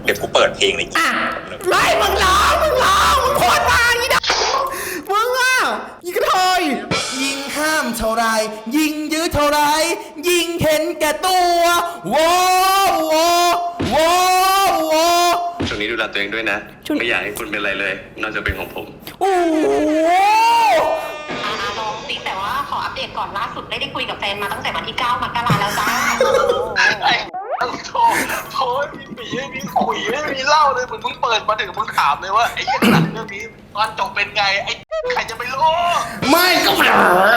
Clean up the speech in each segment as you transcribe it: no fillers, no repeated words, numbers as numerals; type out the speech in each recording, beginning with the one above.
เดี๋ยวกูเปิดเพลงเลยไม่มึงร้องมึงโคตรมาอีดมึงอ่ะยิงกระเทยยิงห้ามเท่าไรยิงยื้อเท่าไรยิงเห็นแก่ตัวโว้โว้โว้โว้ช่วงนี้ดูแลตัวเองด้วยนะไม่อยากให้คุณเป็นอะไรเลยนอกจากเป็นของผมโอ้โหลองสิแต่ว่าขออัปเดตก่อนล่าสุดได้คุยกับแฟนมาตั้งแต่วันที่ 9 มกราแล้วจ้าไอ้โธ่มีปีไม่มีขุยไม่มีเหล้าเลยเหมือนมึงเปิดมาถึงมึงถามเลยว่าไอ้หนังเรื่องนี้ตอนจบเป็นไงไอ้ใครจะไปรู้ไม่ก็มา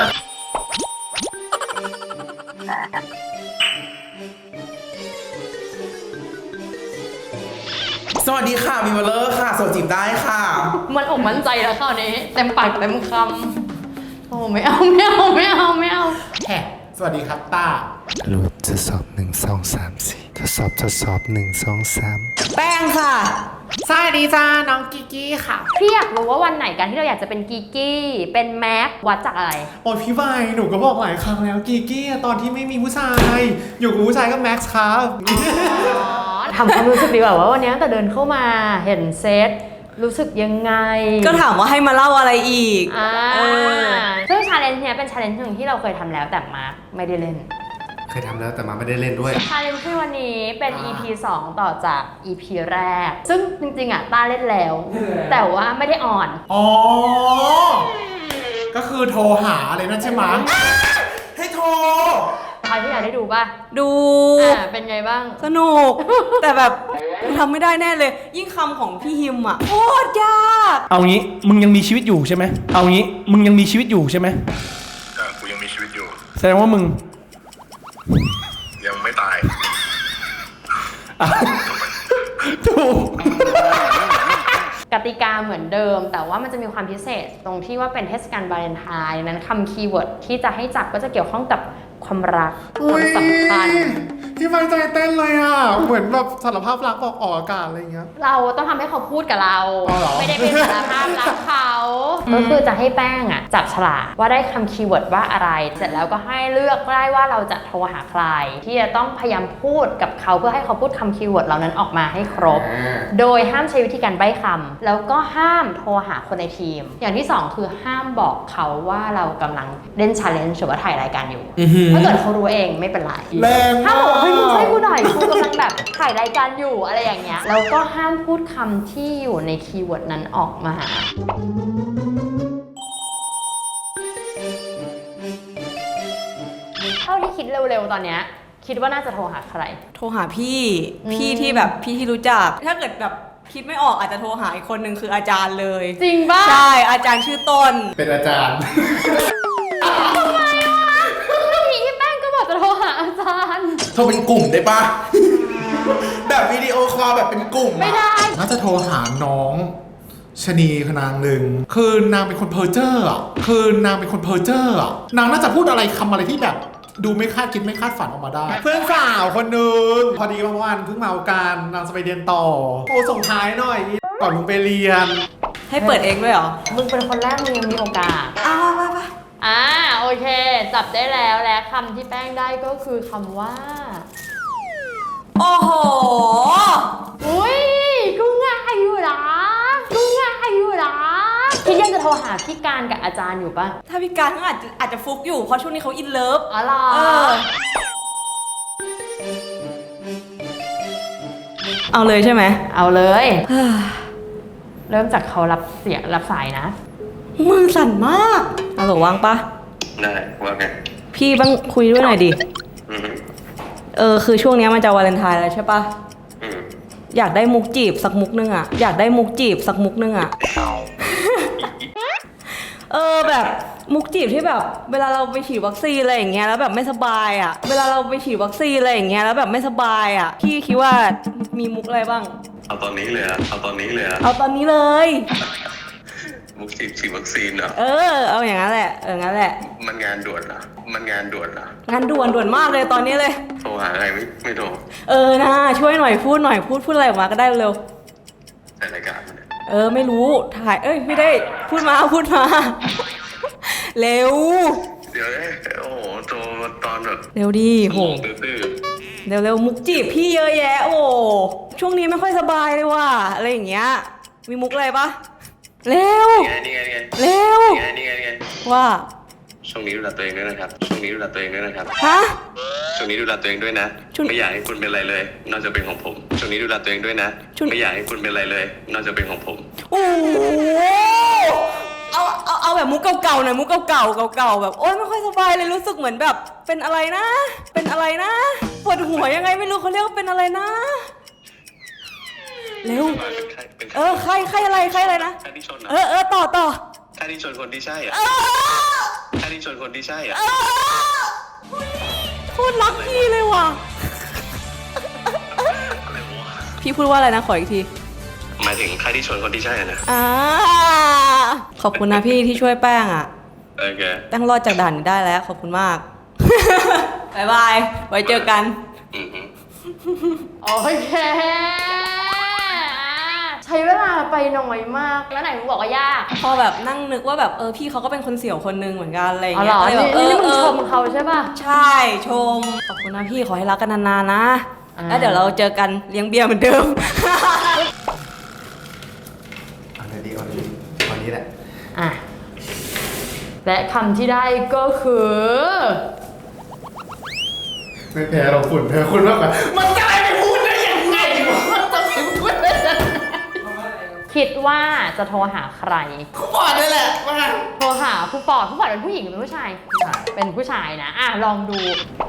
สวัสดีค่ะมิวเลอร์ค่ะโสดจีบได้ค่ะมันอกมั่นใจแล้วคราวนี้เต็มปากเต็มคำโอ้ไม่เอาแฮะสวัสดีครับต้ารูปทดสอบ1 2 3 4ทดสอบ1 2 3 แป้งค่ะสวัสดีจ้าน้องกิกกี้ค่ะพี่อยากรู้ว่าวันไหนกันที่เราอยากจะเป็นกีกี้เป็นแม็กวัดจากอะไรโอ้ยพี่ใบหนูก็บอกหลายครั้งแล้วกิกกี้ตอนที่ไม่มีผู้ชายอยู่กับผู้ชายก็แม็กซ์ครับทำความรู้สึกดีกว่าว่าวันนี้ตั้งแต่เดินเข้ามาเห็นเซตรู้สึกยังไงก็ถามว่าให้มาเล่าอะไรอีกซึ่งชาเลนจ์เนี้ยเป็นชาเลนจ์หนึ่งที่เราเคยทำแล้วแต่มาร์คไม่ได้เล่นเคยทำแล้วแต่มาไม่ได้เล่นด้วยชาเลนจ์ที่วันนี้เป็น EP 2 ต่อจาก EP แรก ซึ่งจริงๆอ่ะต้าเล่นแล้ว แต่ว่าไม่ได้ออนอ๋อ ก็คือโทรหาอะไรนั่นใช่ไหมให้โทรใครที่อยากได้ดูป่ะดูเป็นไงบ้างสนุก แต่แบบทำไม่ได้แน่เลย ยิ่งคำของพี่ฮิมอ่ะโคตรยากเอางี้มึงยังมีชีวิตอยู่ใช่ไหมเอางี้มึงยังมีชีวิตอยู่ใช่ไหมกูยังมีชีวิตอยู่แสดงว่ามึงยังไม่ตายถูกกติกาเหมือนเดิม แต่ว่ามันจะมีความพิเศษตรงที่ว่าเป็นเทศกาลวาเลนไทน์นั้นคำคีย์เวิร์ดที่จะให้จับก็จะเกี่ยวข้องกับความรักความสัมพันธ์ที่ไฟใจเต้นเลยอ่ะ เหมือนแบบสารภาพรักบอกออกอากาศอะไรอย่างเงี้ยเราต้องทำให้เขาพูดกับเราอ๋อเหรอไม่ได้เป็นสารภาพรักเขาก็คือจะให้แป้งอ่ะจับฉลากว่าได้คำคีย์เวิร์ดว่าอะไร เสร็จแล้วก็ให้เลือกได้ว่าเราจะโทรหาใคร ที่จะต้องพยายามพูดกับเขาเพื่อให้เขาพูดคำคีย์เวิร์ดเหล่านั้นออกมาให้ครบ โดยห้ามใช้วิธีการใบ้คำแล้วก็ห้ามโทรหาคนในทีม อย่างที่สองคือห้ามบอกเขาว่าเรากำลังเล่น challenge หรือว่าถ่ายรายการอยู่ ถ้าเกิดเขารู้เองไม่เป็นไรแรงห้ามมากบอกเฮ้ยมึงช่วยกูหน่อยกูกำลังแบบถ่ายรายการอยู่อะไรอย่างเงี้ยแล้วก็ห้ามพูดคำที่อยู่ในคีย์เวิร์ดนั้นออกมาเท่าที่คิดเร็วๆตอนเนี้ยคิดว่าน่าจะโทรหาใครโทรหาพี่ที่แบบพี่ที่รู้จัก ถ้าเกิดแบบคิดไม่ออกอาจจะโทรหาอีกคนหนึ่งคืออาจารย์เลยจริงป่ะใช่อาจารย์ชื่อต้นเป็นอาจารย์พี่แป้งก็บอกจะโทรหาอาจารย์โทรเป็นกลุ่มได้ปะ แบบวิดีโอคอลแบบเป็นกลุ่มอะไม่ได้น่าจะโทรหาน้องชนีคนางหนึ่งคือนางเป็นคนเพอร์เจอร์อ่ะนางน่าจะพูดอะไรคำอะไรที่แบบดูไม่คาดคิดไม่คาดฝันออกมาได้ เพื่อนสาวคนหนึ่งพอดีเมื่อวานเพิ่งมาการนางจะไปเรียนต่อโอ้ส่งท้ายหน่อยก่อนมึงไปเรียนให้เปิดเองด้วยเหรอมึงเป็นคนแรกมึงยังมีโอกาสไปโอเค จับได้แล้วและคำที่แป้งได้ก็คือคำว่าโอ้โหอุ้ยกูง่ายอยู่นะคิดยังจะโทรหาพี่การกับอาจารย์อยู่ปะถ้าพี่การเขาอาจจะฟุกอยู่เพราะช่วงนี้เขาอินเลิฟอ๋อเหรอเอาเลยใช่ไหมเอาเลย เริ่มจากเขารับสายนะมือสั่นมากฮัลโหลว่างปะได้ว่าไงพี่บ้างคุยด้วยหน่อยดิอืมคือช่วงนี้มันจะวาเลนไทน์แล้วใช่ปะอืมอยากได้มุกจีบสักมุกนึงอะแบบมุกจีบที่แบบเวลาเราไปฉีดวัคซีนอะไรอย่างเงี้ยแล้วแบบไม่สบายอะพี่คิดว่ามีมุกอะไรบ้างเอาตอนนี้เลยอะเอาตอนนี้เลยมุกฉีดวัคซีนเหรอเอาอย่างนั้นแหละงั้นแหละมันงานด่วนเหรองานด่วนมากเลยตอนนี้เลยโทรหาใครไม่โทรนะช่วยหน่อยพูดอะไรออกมาก็ได้เร็วแต่รายการเนี่ยไม่รู้ถ่ายไม่ได้พูดมาเร็วเดี๋ยวโอ้โหโทรตอนแบบเร็วดิโหตื้อเร็วๆมุกจีบพี่เยอะแยะโอ้ช่วงนี้ไม่ค่อยสบายเลยว่ะอะไรอย่างเงี้ยมีมุกอะไรปะเร็วนี่ไงเร็วนี่ไงว่าช่วงนี้ดูแลตัวเองด้วยนะครับ ช่วงนี้ดูแลตัวเองด้วยนะครับฮะช่วงนี้ดูแลตัวเองด้วยนะ ไม่อยากให้คุณเป็นอะไรเลย นอกจากเป็นของผม ช่วงนี้ดูแลตัวเองด้วยนะ ไม่อยากให้คุณเป็นอะไรเลย นอกจากเป็นของผมโอ้โหเอาแบบมุกเก่าๆหน่อยมุกเก่าๆแบบโอ๊ยไม่ค่อยสบายเลยรู้สึกเหมือนแบบเป็นอะไรนะปวดหัวยังไงไม่รู้เขาเรียกว่าเป็นอะไรนะเร็วใครอะไรนะใครที่ชนนะต่อใครที่ชนคนที่ใช่อ่ะใครที่ชนคนที่ใช่อ่ะโคตรรักพี่เลยว่ะพี่พูดว่าอะไรนะขออีกทีหมายถึงใครที่ชนคนที่ใช่อะนะขอบคุณนะพี่ที่ช่วยแป้งอ่ะโอเคแป้งรอดจากด่านนี้ได้แล้วขอบคุณมาก บ๊ายบายไว้เจอกันอือฮึโอเคใช้เวลาไปน้อยมากแล้วไหนมึงบอกว่ายากพอแบบนั่งนึกว่าแบบพี่เขาก็เป็นคนเสี่ยวคนนึงเหมือนกันอะไรอย่างอ๋อเงี้เหรยอก็เลยแบบนี่มึงชมเขาใช่ป่ะใช่ชมขอบคุณนะพี่ขอให้รักกันนานๆนะแล้วเดี๋ยวเราเจอกันเลี้ยงเบียร์เหมือนเดิมเอาเลยดีวันนี้แหละอ่ะและคำที่ได้ก็คือไม่แพ้เราฝุ่นแพ้คุณมากกว่ามันจะไปพูดได้ยังไงมันจะไปพูดได้ยังไงคิดว่าจะโทรหาใครกูบอกได้แหละว่าโทรหาผู้ปอดเป็นผู้หญิงหรือเป็นผู้ชาย เป็นผู้ชายนะ ลองดู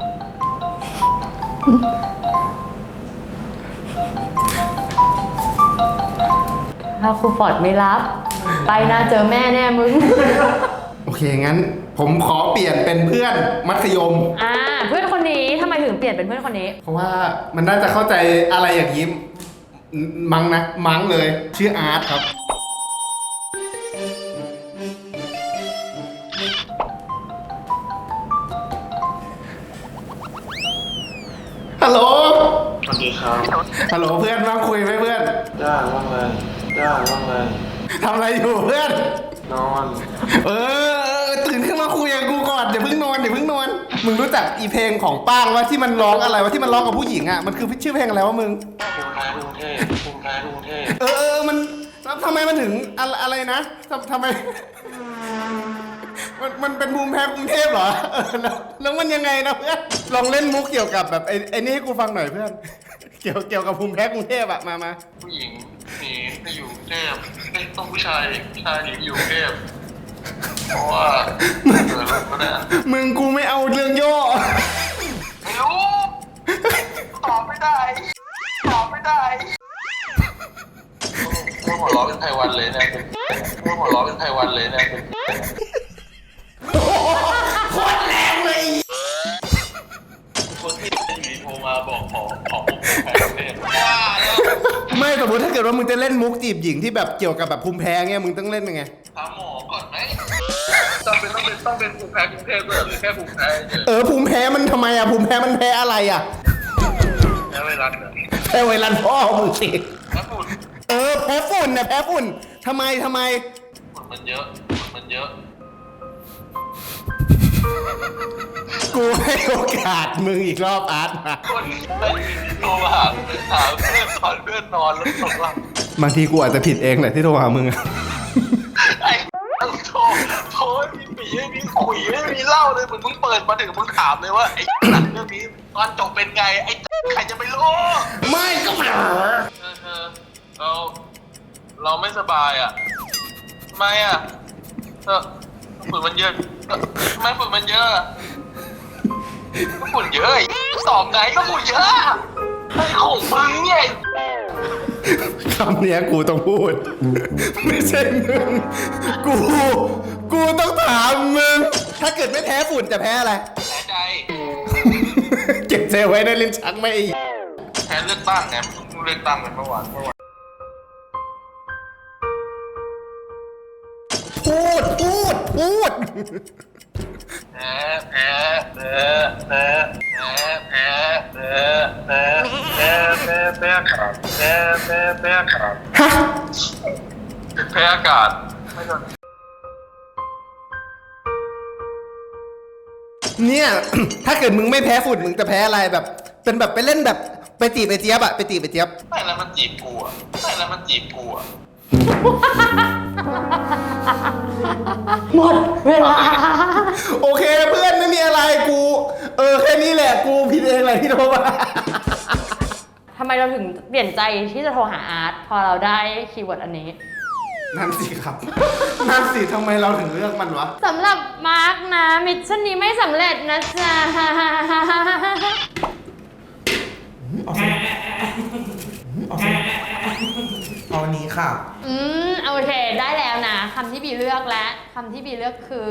ถ้าครูฟอร์ดไม่รับ ไปนะเจอแม่แน่มึงโอเคงั้น ผมขอเปลี่ยนเป็นเพื่อนมัธยมเพื่อนคนนี้ทำไมถึงเปลี่ยนเป็นเพื่อนคนนี้เพราะว่ามันน่าจะเข้าใจอะไรอย่างยิ้มมั้งเลยชื่ออาร์ตครับฮัลโหลสวัสดีครับฮัลโหลเพื่อนว่างคุยไหมเพื่อนว่างเลยทำอะไรอยู่เพื่อนนอนตื่นขึ้นมาคุยกับกูก่อนอย่าเพิ่งนอนมึงรู้จักอีเพลงของป้างว่าที่มันร้องอะไรวะที่มันร้องกับผู้หญิงอ่ะมันคือชื่อเพลงอะไรวะมึงภูมิแพ้กรุงเทพมันทำไมมันถึงอะไรนะทำไมมันเป็นภูมิแพ้กรุงเทพเหรอแล้วมันยังไงนะเพื่อนลองเล่นมุกเกี่ยวกับแบบไอ้นี่ให้กูฟังหน่อยเพื่อน เกี่ยวกับภูมิแพ้กรุงเทพอะมาผู้หญิงหนีไปอยู่กรุงเทพต้องผู้ชายหนีไปอยู่กรุงเทพเพราะว่าเกิดอะไรก็ได้มึงกูไม่เอาเรื่องย่อไม่รู้ตอบไม่ได้ว่าหัวล้อเป็นไพวันเลยนะโคตรแรงเลยคนที่อยู่โทรมาบอกขอแพ้ประเทศไม่สมมติถ้าเกิดว่ามึงจะเล่นมุกจีบหญิงที่แบบเกี่ยวกับแบบภูมิแพ้เงี้ยมึงต้องเล่นยังไงถามหมอก่อนไหมต้องเป็นภูมิแพ้กรุงเทพด้วยหรือแค่ภูมิแพ้เฉยภูมิแพ้มันทำไมอะภูมิแพ้มันแพ้อะไรอะแพ้ไวรัสเหรอแพ้ไวรัสพ่อมึงสิแพ้ฝุ่นแพ้ฝุ่นนะแพ้ฝุ่นทำไมฝุ่นมันเยอะกูให้โอกาสมึงอีกรอบอาร์ตมาคนได้ยินโทรมาหาเพื่อนนอนแล้วตกหลับบางทีกูอาจจะผิดเองแหละที่โทรหามึงอะไอ้โทรไม่มีปีไม่มีคุยไม่มีเล่าเลยเหมือนมึงเปิดมาถึงมึงถามเลยว่าไอ้หนังเรื่องนี้ตอนจบเป็นไงไอ้ใครจะไปรู้ไม่ก็ไม่เราไม่สบายอ่ะทำไมอ่ะฝุ่นมันเยอะทำไมฝุ่นมันเยอะก็ฝุ่นเยอะสอบไงก็ฝุ่นเยอะไอ้ของมึงเนี่ยคำเนี้ยกูต้องพูด ไม่ใช่มึงกูต้องถามมึง ถ้าเกิดไม่แพ้ฝุ่นจะแพ้อะไรแพ้ใจเก็บเซลไว้ในลิ้นชักไม่แพ้เลือกตั้งไงมึงเลือกตั้งกันเมื่อวานพูดแพ้อากาศแพ้อากาศฮะแพ้อากาศไม่โดนเนี่ย ถ้าเกิดมึงไม่แพ้ฝุ่นมึงจะแพ้อะไรแบบเป็นแบบไปเล่นแบบไปจีบไอเจี๊ยบอะไปจีบไอเจี๊ยบไม่แล้วมันจีบกูอ่ะไม่แล้วมันจีบกูอ่ะหมดเวลาโอเคเพื่อนไม่มีอะไรกูแค่นี้แหละกูผิดเองแหละที่โทรมาทำไมเราถึงเปลี่ยนใจที่จะโทรหาอาร์ตพอเราได้คีย์เวิร์ดอันนี้นั่นสิครับ นั่นสิทำไมเราถึงเลือกมันวะสำหรับมาร์กนะมิชชั่นนี้ไม่สำเร็จนะจ๊ะเอาอันนี้ค่ะโอเคได้แล้วนะคำที่บีเลือกและคำที่บีเลือกคือ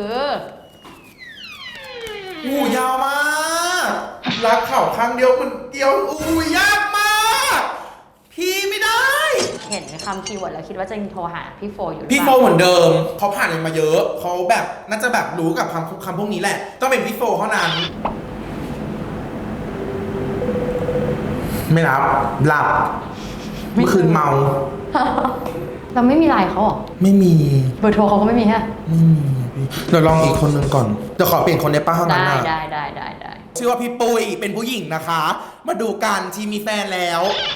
หูยาวมาก รักเข่าข้างเดียวคนเดียวยากมาก พี่ไม่ได้เห็นคำคีย์เวิร์ดแล้วคิดว่าจะโทรหาพี่โฟอยู่หรือพี่เปโฟล่าเหมือนเดิมเขาผ่านอะไรมาเยอะเขาแบบน่าจะแบบรู้กับคำพวกนี้แหละ ต้องเป็นพี่โฟเท่านั้น ไม่รับหลับเมื่อคืนเมาเราไม่มีไลน์เขาเหรอไม่มีเบอร์โทรเขาก็ไม่มีฮะไม่มีพี่เดี๋ยวลองอีกคนนึงก่อนเดี๋ยวขอเปลี่ยนคนได้ป้าห้องนั้นได้นะได้ชื่อว่าพี่ปุ้ยเป็นผู้หญิงนะคะ มาดูกันชีมีแฟนแล้ว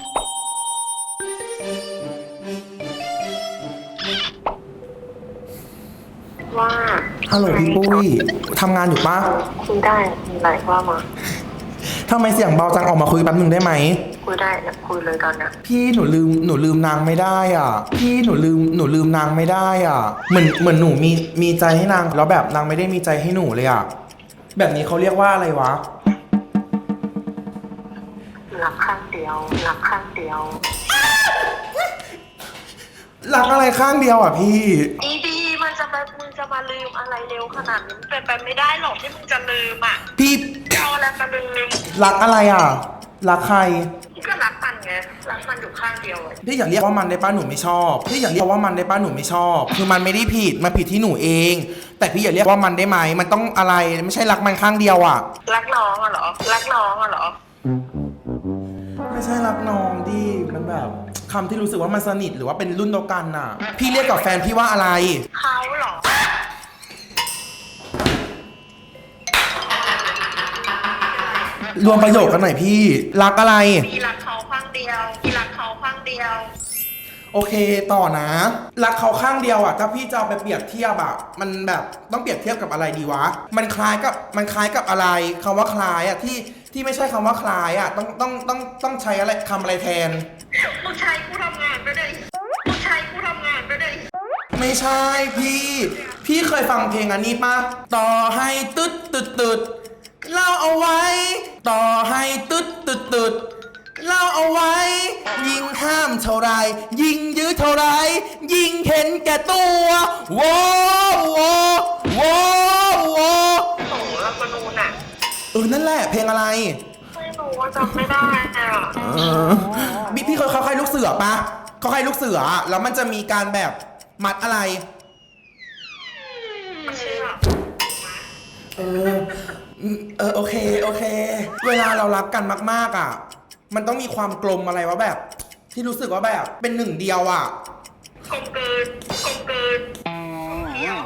ว่าฮัลโหลพี่ปุ้ยทำงานอยู่ปะคุยได้มีอะไรว่ามาทำไมเสียงเบาจังออกมาคุยแป๊บหนึ่งได้ไหมคุยได้นะคุยเลยตอนนี้พี่หนูลืมนางไม่ได้อ่ะ พี่หนูลืมนางไม่ได้อ่ะ เหมือนหนูมีใจให้นางแล้วแบบนางไม่ได้มีใจให้หนูเลยอ่ะ แบบนี้เขาเรียกว่าอะไรวะรักข้างเดียวรักข้างเดียวรักอะไรข้างเดียวอ่ะพี่ดีมันจะมามึงจะมาลืมอะไรเร็วขนาดนี้เป็นไปไม่ได้หรอกที่มึงจะลืมอ่ะพี่เอาอะไรมาลืมรักอะไรอ่ะ รักใครพี่ก็รักมันไงรักมันอยู่ข้างเดียวเลยพี่อยากเรียกว่ามันได้ป้าหนูไม่ชอบพี่อยากเรียกว่ามันได้ป้าหนูไม่ชอบ คือมันไม่ได้ผิดมันผิดที่หนูเอง แต่พี่อยากเรียกว่ามันได้ไหมมันต้องอะไรไม่ใช่รักมันข้างเดียวอ่ะรักน้องอะเหรอรักน้องอะเหรอไม่ใช่รักน้องดิมันแบบคำที่รู้สึกว่ามันสนิทหรือว่าเป็นรุ่นเดียวกันน่ะ พี่เรียกกับแฟนพี่ว่าอะไรเขาเหรอรวมประโยคกันหน่อยพี่รักอะไรพี่รักเขาข้างเดียวพี่รักเขาข้างเดียวโอเคต่อนะรักเขาข้างเดียวอ่ะถ้าพี่จะเอาไปเปรียบเทียบอ่ะมันแบบต้องเปรียบเทียบกับอะไรดีวะมันคล้ายกับอะไรคำว่าคล้ายอ่ะที่ไม่ใช่คำว่าคล้ายอ่ะต้องใช้อะไรคำอะไรแทนมึงใช้กูทำงานไปเลยมึงใช้กูทำงานไปเลยไม่ใช่พี่เคยฟังเพลงอันนี้ปะต่อให้ตึ๊ดเล่าเอาไว้ต่อให้ตึ๊ดเล่าเอาไว้ยิ่งห้ามเท่าไรยิ่งยื้อเท่าไรยิ่งเห็นแก่ตัวโว้โว้โว้โว้โอ้รักมนูนอะนั่นแหละเพลงอะไรไม่รู้ว่าจำไม่ได้อะพี่เคยเข้าค่ายลูกเสือปะเข้าค่ายลูกเสือแล้วมันจะมีการแบบมัดอะไรไม่เชื่อโอเคเวลาเรารักกันมากๆอ่ะมันต้องมีความกลมอะไรวะแบบ ที่รู้สึกว่าแบบเป็นหนึ่งเดียวอ่ะกลมเกินเที่ยว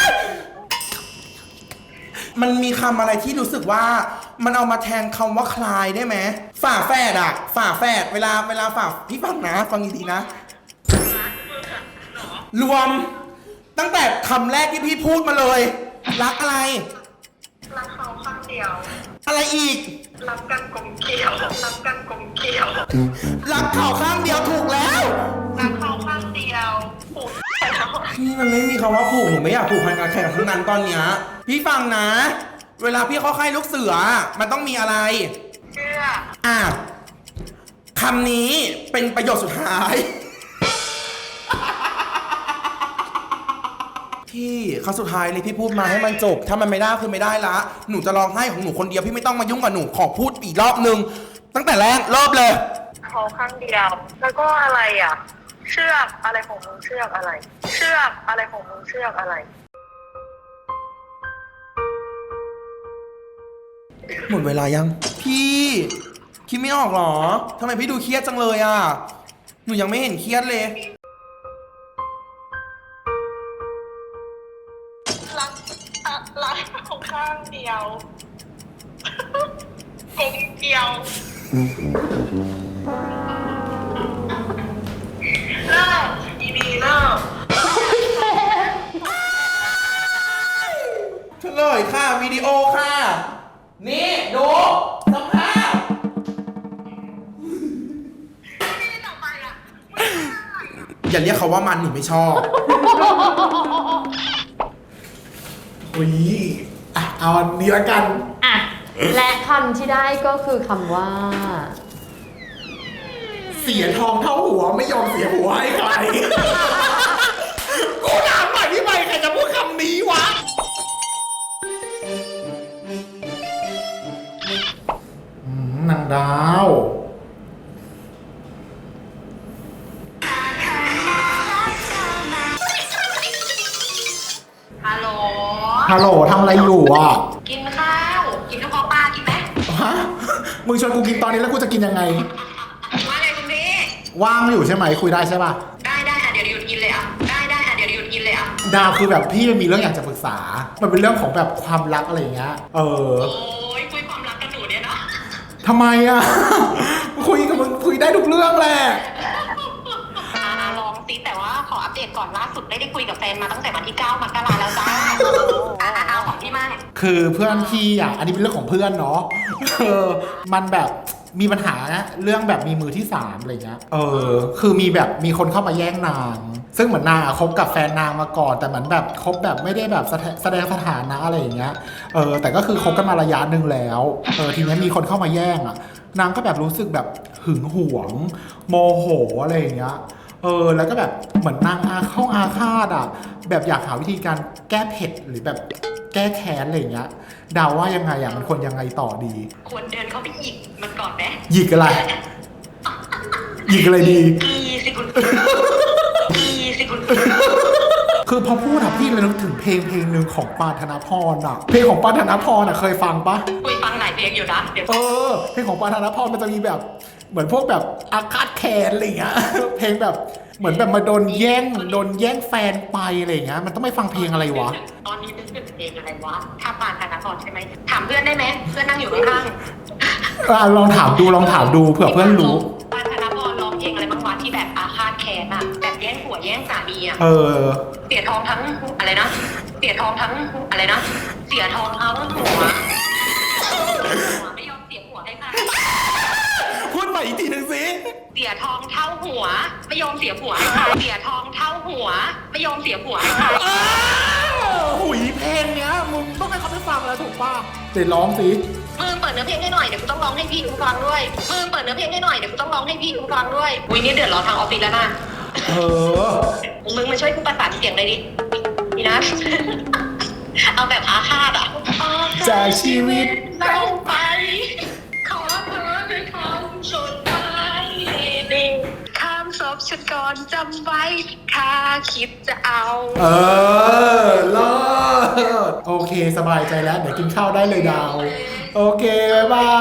มันมีคำอะไรที่รู้สึกว่ามันเอามาแทนคำว่าคลายได้ไหมฝาแฝดอ่ะฝาแฝดเวลาฝาพี่ฟังนะฟังดีๆนะ รวมตั้งแต่คำแรกที่พี่พูดมาเลย รักอะไรรักเขาข้างเดียวอะไรอีกรักกันกลมเกลียวรักกันกลมเกลียวรักเขาข้างเดียวถูกแล้วรักเขาข้างเดียวโอ้ยนี่มันไม่มีคำว่าผูกหนูไม่อยากผูกพันกับใครทั้งนั้นตอนเนี้ยพี่ฟังนะ เวลาพี่เข้าค่ายลูกเสือมันต้องมีอะไรเชื่อคำนี้เป็นประโยคสุดท้าย พี่เขาสุดท้ายเลยพี่พูดมาให้มันจบ ถ้ามันไม่ได้คือไม่ได้ละหนูจะร้องไห้ของหนูคนเดียวพี่ไม่ต้องมายุ่งกับหนูขอพูดอีกรอบนึงตั้งแต่แรกรอบเลยเขาข้างเดียว แล้วก็อะไรอ่ะ เชือกอะไรของมึงเชือกอะไร เชือกอะไรของมึงเชือกอะไรหมดเวลายัง พี่คิดไม่ออกหรอทำไมพี่ดูเครียดจังเลยอ่ะหนูยังไม่เห็นเครียดเลยรักเขาข้างเดียว กลมเกลียวเลิกอีบีเลิกเฉลยค่ะวิดีโอค่ะ นี่ดูสภาพ อย่าเรียกเขาว่ามันหนูไม่ชอบอุ้ยอ่ะเอาอันนี้ละกันอ่ะ และคำที่ได้ก็คือคำว่าเสียทองเท่าหัวไม่ยอมเสียหัวให้ใคร กูถามหน่อยพี่ใบใครจะพูดคำนี้วะ นางดาวฮัลโหลฮัลโหลทำอะไรอยู่อ่ะกินข้าว กินกระเพาะปลากินไหมฮะ มึงชวนกูกินตอนนี้แล้วกูจะกินยังไงว่าไงคุณพี่ว่างอยู่ใช่ไหมคุยได้ใช่ป่ะได้อ่ะเดี๋ยวหยุดกินเลยอ่ะ ได้อ่ะเดี๋ยวหยุดกินเลยอ่ะดาวคือแบบพี่มีเรื่องอยากจะปรึกษา มันเป็นเรื่องของแบบความรักอะไรอย่างเงี้ยโอ้ยคุยความรักกับหนูเนี่ยเนาะทำไมอ่ะ คุยกับมึงคุยได้ทุกเรื่องแหละลองซิแต่ว่าขออัปเดตก่อนล่าสุดได้คุยกับแฟนมาตั้งแต่วันที่ 9 มกราแล้วจ้าเอาของพี่มากคือเพื่อนพี่อ่ะ อันนี้เป็นเรื่องของเพื่อนเนาะ มันแบบมีปัญหานะเรื่องแบบมีมือที่สามอะไรเงี้ย คือมีแบบมีคนเข้ามาแย่งนาง ซึ่งเหมือนนางคบกับแฟนนางมาก่อน แต่เหมือนแบบคบแบบไม่ได้แบบแสดงสถานะอะไรอย่างเงี้ย แต่ก็คือคบกันมาระยะหนึ่งแล้ว ทีนี้มีคนเข้ามาแย่งอ่ะ นางก็แบบรู้สึกแบบหึงหวง โมโหอะไรอย่างเงี้ย แล้วก็แบบเหมือนนางเข้าอาฆาตอ่ะ แบบอยากหาวิธีการแก้เผ็ดหรือแบบแก้แค้นอะไรอย่างเงี้ยดาวว่ายังไงอ่ะมันควรยังไงต่อดีควรเดินเข้าไปหยิกมันก่อนไหมหยิกอะไร หยิกอะไรดีกีสิคุณกีสิคุณคือพอพูดอะพี่เลยนึกถึงเพลงหนึ่งของปานธนพรอ่ะ เพลงของปานธนพรอ่ะเคยฟังปะคุยฟังหลายเพลงอยู่นะเดี๋ยวเพลงของปานธนพรมันจะมีแบบเหมือนพวกแบบอาฆาตแค้นอะไรอย่างเงี้ย เพลงแบบเหมือนแบบมาโดนแย่งแฟนไปอะไรอย่างเงี้ย มันต้องไม่ฟังเพลงอะไรวะตอนนี้นึกถึงเพลงอะไรวะถ้าปานธนพรใช่ไหมถามเพื่อนได้ไหมเพื่อนนั่งอยู่ข้างลองถามดูเผื่อเพื่อนรู้ปานธนพรร้องเพลงอะไรบ้างวะที่แบบอาฆาตแค้นอะแบบแย่งผัวแย่งสามีอะเสียทองทั้งอะไรนะเสียทองทั้งอะไรนะเสียทองทั้งหัวไม่ยอมเสียหัวให้ใครพูดใหม่อีกทีหนึ่งสิเสียทองเท่าหัวไม่ยอมเสียผัวให้ใครเสียทองเท่าหัวไม่ยอมเสียผัวให้ใครหุยเพลงเนี้ยมึงต้องให้เขาไปฟังแล้วถูกป่ะเดี๋ยวร้องสิมึงเปิดเนื้อเพลงให้หน่อยเดี๋ยวกูต้องร้องให้พี่กูฟังด้วยมึงเปิดเนื้อเพลงให้หน่อยเดี๋ยวกูต้องร้องให้พี่กูฟังด้วยอุ้ยนี่เดือดร้อนทางออฟฟิศแล้วนะ มึงมาช่วยกูประสานเสียงเลยดินี่นะ เอาแบบอาฆาตอ่ะจากชีวิตเราไปขอเธอด้วยคำสุดท้ายดีข้ามศพฉันก่อนจำไว้ถ้าคิดจะเอาเลิศโอเคสบายใจแล้วเดี๋ยวกินข้าวได้เลยดาว โอเคบ๊ายบาย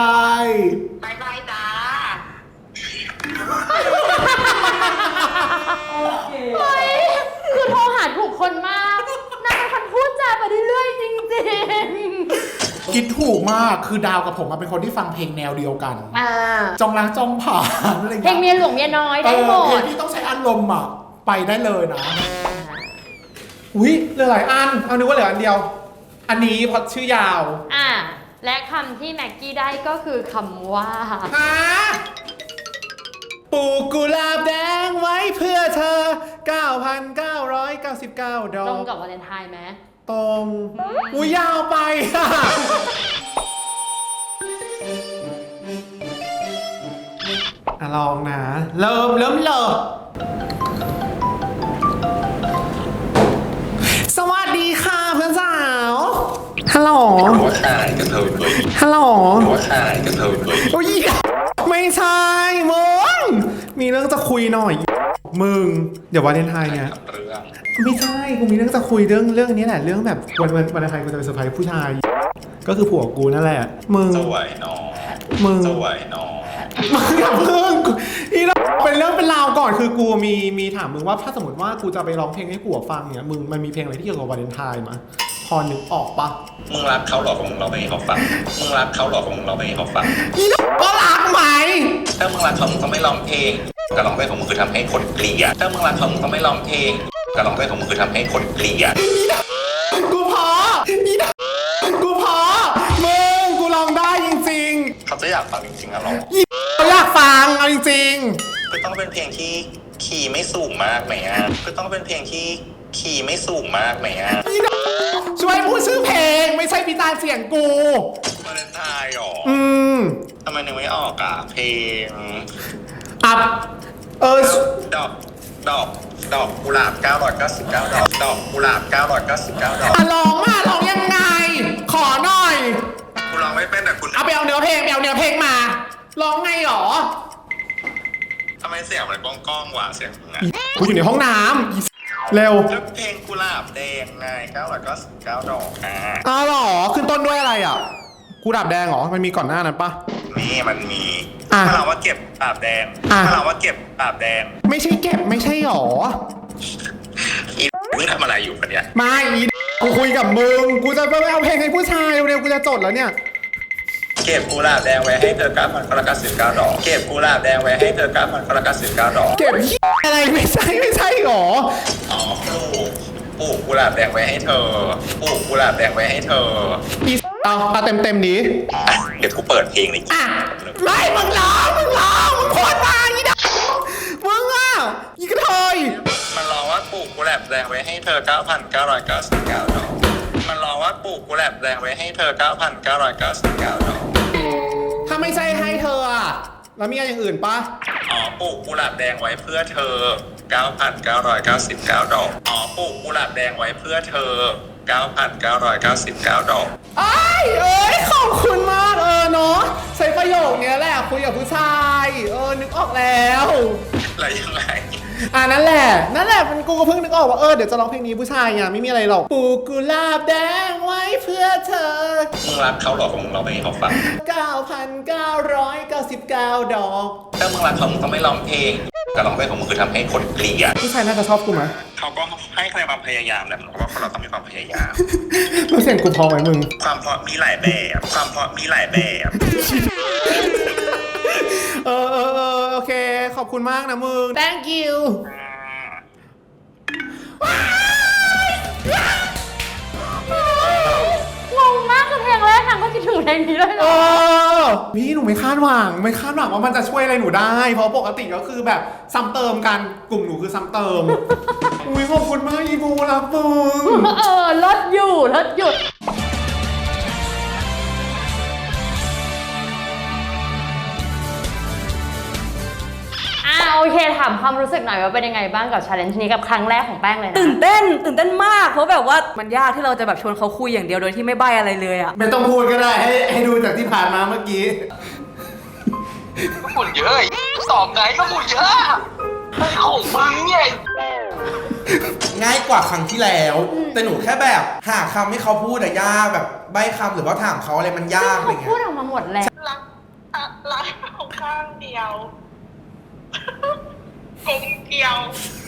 บายบายจ้าเฮ้ย คือโทรหาถูกคนมากนางเป็นคนพูดจาไปเรื่อยๆจริงคิดถูกมากคือดาวกับผมเป็นคนที่ฟังเพลงแนวเดียวกันๆจองล้างจองผ่านอะไรเพลงเมียหลวงเมียน้อยได้หมเพลดงที่ต้องใช้อารมณ์อ่ะไปได้เลยนะ อุ้ยเหลือหลายอันเอานึกว่าเหลืออันเดียว อันนี้พอชื่อยาวและคำที่แม็กกี้ได้ก็คือคำว่าฮะปลูกกุหลาบแดงไว้เพื่อเธอ 9,999 ดอกตรงกับวาเลนไทน์ไหมตรงอุ้ยยาวไปอ่ะ ลองนะ เริ่มเลยสวัสดีค่ะเพื่อนสาว ฮัลโหลหัวขาดกันเถอะเลยฮัลโหลหัวขาดกันเถอะเลยโอ้ยไม่ใช่มึงมีเรื่องจะคุยหน่อย มึง เดี๋ยววาเลนไทน์เนี่ยเรื่องไม่ใช่กูมีเรื่องจะคุยเรื่องนี้แหละเรื่องแบบวันวาเลนไทน์กูจะไปเซอร์ไพรส์ผู้ชาย ก็คือผัวกูนั่นแหละมึงสวยน้องมึงสวยน้องมึงอย่าเพิ่งนี่เราเป็นเรื่องเป็นราวก่อนคือกูมีถามมึงว่าถ้าสมมติว่ากูจะไปร้องเพลงให้ผัวฟังเนี่ยมึงมันมีเพลงอะไรที่เกี่ยวกับวาเลนไทน์มาพอนึกออกปะมึงรักเขาหรอของมึงเราไม่ให้เขาฟังมึงรักเขาหรอของมึงเราไม่ให้เขาฟังนี่ก็รักไหมถ้ามึงรักเขามึงต้องไม่ร้องเพลงการร้องเพลงของมึงคือทำให้คนเกลียดถ้ามึงรักเขามึงต้องไม่ร้องเพลงการร้องเพลงของมึงคือทำให้คนเกลียดกูพออีดกูพอมึงกูลองได้จริงเขาจะอยากฟังจริงๆอะหรอๆเขาอยากฟังเอาจริงคือต้องเป็นเพลงที่คีย์ไม่สูงมากไหมอ่ะคือต้องเป็นเพลงที่คีย์ไม่สูงมากไหมอ่ะๆอีดช่วยพูดชื่อเพลงไม่ใช่พิจารณ์เสียงกูวาเลนไทน์หรอ ทำไมนึกไม่ออกอ่ะเพลงอัพดอกกุหลาบ999ดอกกุหลาบ999ดอกร้องยังไง ขอหน่อยคุณร้องไม่เป็นแต่คุณเอาไปเอาเนื้อเพลงมาร้องไงหรอทำไมเสียงมันก้องๆวะเสียงมึงอ่ะกูอยู่ในห้องน้ำเร็วแล้วเพลงกุหลาบแดงไง999ดอกอ่ะอ้าวหรอขึ้นต้นด้วยอะไรอ่ะกูดับแดงเหรอมันมีก่อนหน้านั้นปะนี่มันมีอ่ะถ้าเราว่าเก็บกุหลาบแดงอ่ะถ้าเราว่าเก็บกุหลาบแดงไม่ใช่เก็บไม่ใช่หรออีมึงทำอะไรอยู่ปะเนี่ยไม่อีกูคุยกับมึงกูจะไปเอาเพลงให้ผู้ชายเร็วๆกูจะจดแล้วเนี่ยเก็บกุหลาบแดงไว้ให้เธอ9,999ดอกเก็บกุหลาบแดงไว้ให้เธอ9,999ดอกเก็บอะไรไม่ใช่หรออ๋อปลูกกุหลาบแดงไว้ให้เธอปลูกกุหลาบแดงไว้ให้เธออีเอาเต็มนี้อ่ะเดี๋ยวกูเปิดเพลงเลยอ่ะไม่มึงร้องมึงโคตรมาอีดามึงอ่ะอีกระเทยมันร้องว่าปลูกกุหลาบแดงไว้ให้เธอ9,999ดอกมันร้องว่าปลูกกุหลาบแดงไว้ให้เธอ9,999ดอกถ้าไม่ใช่ให้เธออ่ะแล้วมีอย่างอื่นปะอ๋อปลูกกุหลาบแดงไว้เพื่อเธอ9,999ดอกอ๋อปลูกกุหลาบแดงไว้เพื่อเธอ9,999ดอกเอ้ยขอบคุณมากเนาะใช้ประโยคเนี้ยแหละคุยกับผู้ชายนึกออกแล้วอะไรยังไงนั่นแหละมันกูก็เพิ่งนึกออกว่าเดี๋ยวจะร้องเพลงนี้ผู้ชายไงไม่มีอะไรหรอกปลูกกุหลาบแดงไว้เพื่อเธอมึงรักเขาหรอมึงร้องเพลงให้เขาฟัง 9,999 ดอกถ้ามึงรักเขามึงต้องไม่ร้องเพลงการร้องเพลงของมึงคือทำให้คนเกลียดผู้ชายน่าจะชอบกูไหมเขาก็ให้คะแนนความพยายามแหละเพราะว่าคนเราต้องมีความพยายามรู้เสียงกูพอไหมมึงความเพราะมีหลายแบบความเพราะมีหลายแบบโอเคขอบคุณมากนะมึง thank you งงมากคือเพลงแรกนางก็คิดถึงเพลงนี้เลยเหรอพี่หนูไม่คาดหวังว่ามันจะช่วยอะไรหนูได้ เพราะปกติก็คือแบบซ้ำเติมกันกลุ่มหนูคือซ้ำเติม อุ้ยขอบคุณมากอีบูรักมึงลดหยุดโอเคถามความรู้สึกหน่อยว่าเป็นยังไงบ้างกับ challenge นี้กับครั้งแรกของแป้งเลยนะตื่นเต้นมากเพราะแบบว่ามันยากที่เราจะแบบชวนเขาคุยอย่างเดียวโดยที่ไม่ใบ้อะไรเลยอะไม่ต้องพูดก็ได้ให้ดูจากที่ผ่านมาเมื่อกี้ก็ฝุ่นเยอะสอบไหนก็ฝุ่นเยอะไอ้ของมึงเนี่ยง่ายกว่าครั้งที่แล้ว แต่หนูแค่แบบหาคำให้เขาพูดอะยากแบบใบ้คำหรือว่าถามเขาอะไรมันยากอะไรเขาเงี้พูดยออกมาหมดแล้วรักของข้างเดียวกลมเกลียว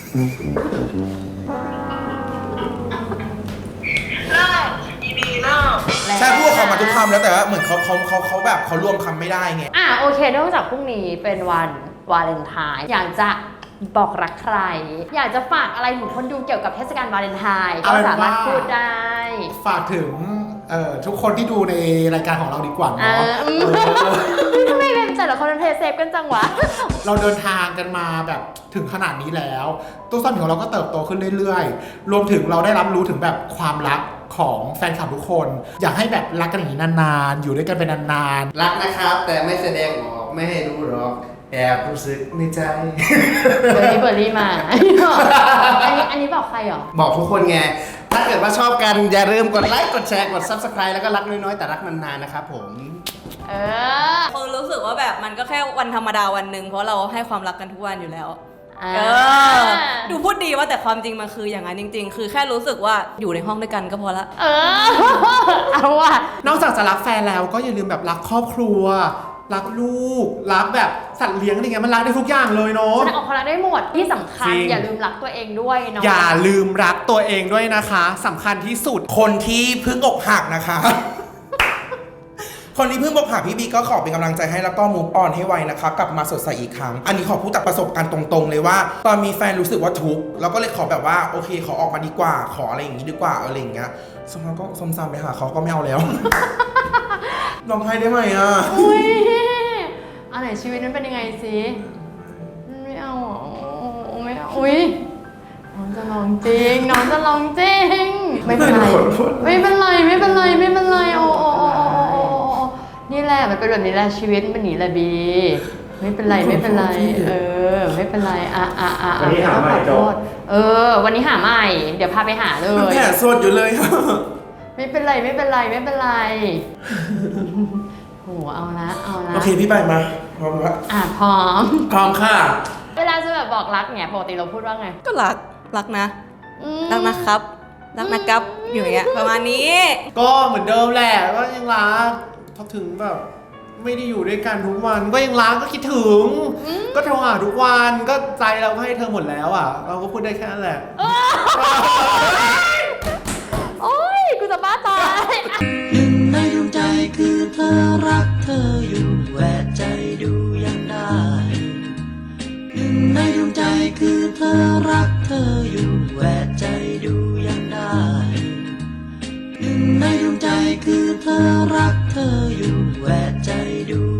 เลิกอีบีเลิกใช่พูดเขามาทุกคำแล้วแต่ว่าเหมือนเขาแบบเขารวมคำไม่ได้ไงโอเคเนื่องจากพรุ่งนี้เป็นวันวาเลนไทน์อยากจะบอกรักใคร อยากจะฝากอะไรถึงคนดูเกี่ยวกับเทศกาลวาเลนไทน์ก็สามารถพูดได้ฝากถึงทุกคนที่ดูในรายการของเราดีกว่าเนาะทำไมเป็นแต่ละคนเป็นเพย์เซฟกันจังวะเราเดินทางกันมาแบบถึงขนาดนี้แล้วตัวตนของเราก็เติบโตขึ้นเรื่อยๆรวมถึงเราได้รับรู้ถึงแบบความรักของแฟนคลับทุกคน อยากให้แบบรักกันอย่างนี้นานๆอยู่ด้วยกันเป็นนานๆรักนะครับแต่ไม่แสดงออกไม่ให้รู้หรอกแอบรู้สึกในใจเบอร์รี่มา อันนี้บอกใครเหรอบอกทุกคนไงถ้าเกิดว่าชอบกันอย่าลืมกดไลค์กดแชร์กด Subscribe แล้วก็รักน้อยๆแต่รักนานๆนะครับผมคนรู้สึกว่าแบบมันก็แค่วันธรรมดาวันหนึ่งเพราะเราให้ความรักกันทุกวันอยู่แล้วดูพูดดีว่าแต่ความจริงมันคืออย่างนั้นจริงๆคือแค่รู้สึกว่าอยู่ในห้องด้วยกันก็พอละเอาว่ะนอกจากจะรักแฟนแล้วก็อย่าลืมแบบรักครอบครัวรักลูกรักแบบสัตว์เลี้ยงอะไรเงี้ยมันรักได้ทุกอย่างเลยเนาะแสดงออกความรักได้หมดที่สำคัญอย่าลืมรักตัวเองด้วยเนาะอย่าลืมรักตัวเองด้วยนะคะสำคัญที่สุดคนที่เพิ่งอกหักนะคะคนที่เพิ่งบอกหาพี่บีก็ขอเป็นกำลังใจให้แล้วก็มูฟออนให้ไวนะคะกลับมาสดใสอีกครั้งอันนี้ขอพูดจากประสบการณ์ตรงๆเลยว่าตอนมีแฟนรู้สึกว่าทุกข์แล้วก็เลยขอแบบว่าโอเคขอออกมาดีกว่าขออะไรอย่างนี้ดีกว่าอะไรอย่างเงี้ยสมมติก็สมซามไปหาเขาก็ไม่เอาแล้ว ลองให้ได้ไหมอ่ะอุ้ยอันไหนชีวิตนั้นเป็นยังไงสิไม่เอาไม่เอาอุ้ยน้องจะลองจริงน้องจะลองจริงไม่เป็นไรไม่เป็นไรไม่เป็นไรไม่เป็นไรโอ้นี่แหละมันเป็นแบบนี้แหละชีวิตมันหนีแหละบีไม่เป็นไรไม่เป็นไรไม่เป็นไรวันนี้หาใหม่วันนี้หาใหม่เดี๋ยวพาไปหาเลยแผลสดอยู่เลยไม่เป็นไรไม่เป็นไรไม่เป็นไรโหเอาละโอเคพี่ไปมาพร้อมแล้วพร้อมค่ะเวลาจะแบบบอกรักเนี่ยปกติเราพูดว่าไงก็รักนะรักนะครับรักนะครับอยู่อย่างเงี้ยประมาณนี้ก็เหมือนเดิมแหละก็ยังรักพอถึงแบบไม่ได้อยู่ด้วยกันทุกวันก็ยังรักก็คิดถึงก็โทรหาทุกวันก็ใจเราก็ให้เธอหมดแล้วอ่ะเราก็พูดได้แค่นั้นแหละโอ้ยกูจะบ้าตายหนึ่งในดวงใจคือเธอรักเธออยู่แหวกใจดูยังได้หนึ่งในดวงใจคือเธอรักเธออยู่แหวกใจดูยังได้หนึ่งในดวงใจคือเธอรักเธออยู่แหวกใจดู